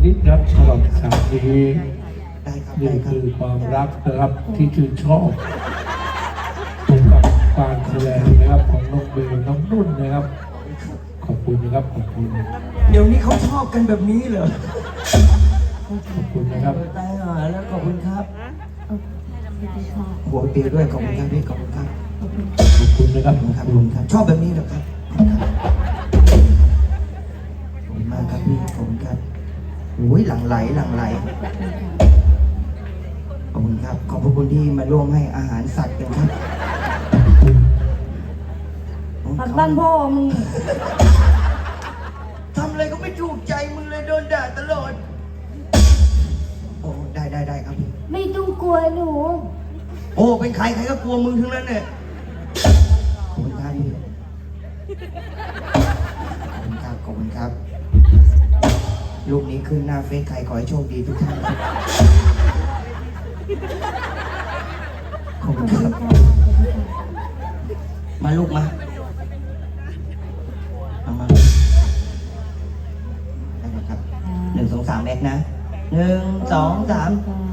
นิดครับสำหรับฉากนี้ได้ครับนี่ได้ครับคือความรักนะครับที่ชื่นชอบกับการแสดงนะครับของน้องเบลน้องนุ่นนะครับขอบคุณนะครับขอบคุณเดี๋ยวนี้เขาชอบกันแบบนี้เหรอขอบคุณนะครับตายหาแล้วขอบคุณครับหัวเปียด้วยขอบคุณครับพี่ขอบคุณครับขอบคุณนะครับขอบขอบคุคุณ ณครับชอบแบบนี้เหรอครับขอบคุณมากครับพี่ขอบคุณครับโอ้ยหลั่งไหลหลั่งไหลขอบคุณครับขอบคุณที่มาร่วมให้อาหารสัตว์กันครับผักบ้านพ่อมึงทำอะไรก็ไม่ถูกใจมึงเลยโดนด่าตลอดโอ้ได้ครับพี่ไม่ต้องกลัวหนูโอ้เป็นใครใครก็กลัวมึงทั้งนั้นเนี่ยขอบคุณครับพี่ขอบคุณครับลูกนี้ขึ้นหน้าเฟซใครขอให้โชคดีทุกท่านขอบคุณครับมาลูกมามาได้เลยครับ1 2 3แอคนะ1 2 3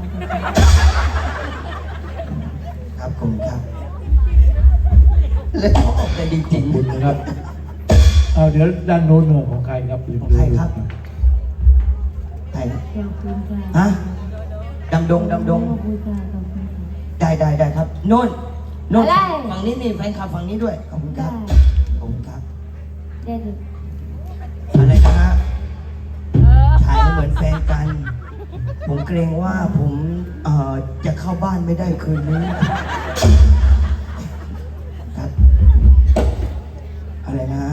ครับขอบคุณครับแล้วชอบกันจริงขอบคุณนะครับเอาเดี๋ยวด้านโน้นหน่อยของใครครับของใครครับ ใครครับขอบคุณค่ะฮะดำดงขอบคุณค่ะขอบคุณค่ะได้ครับโน่นอะไรฝั่งนี้นี่แฟนคลับฝั่งนี้ด้วยขอบคุณครับขอบคุณครับได้เลยอะไรนะฮะถ่ายเหมือนแฟนกัน ผมเกรงว่าผมจะเข้าบ้านไม่ได้คืนนี้ครับอะไรนะฮะ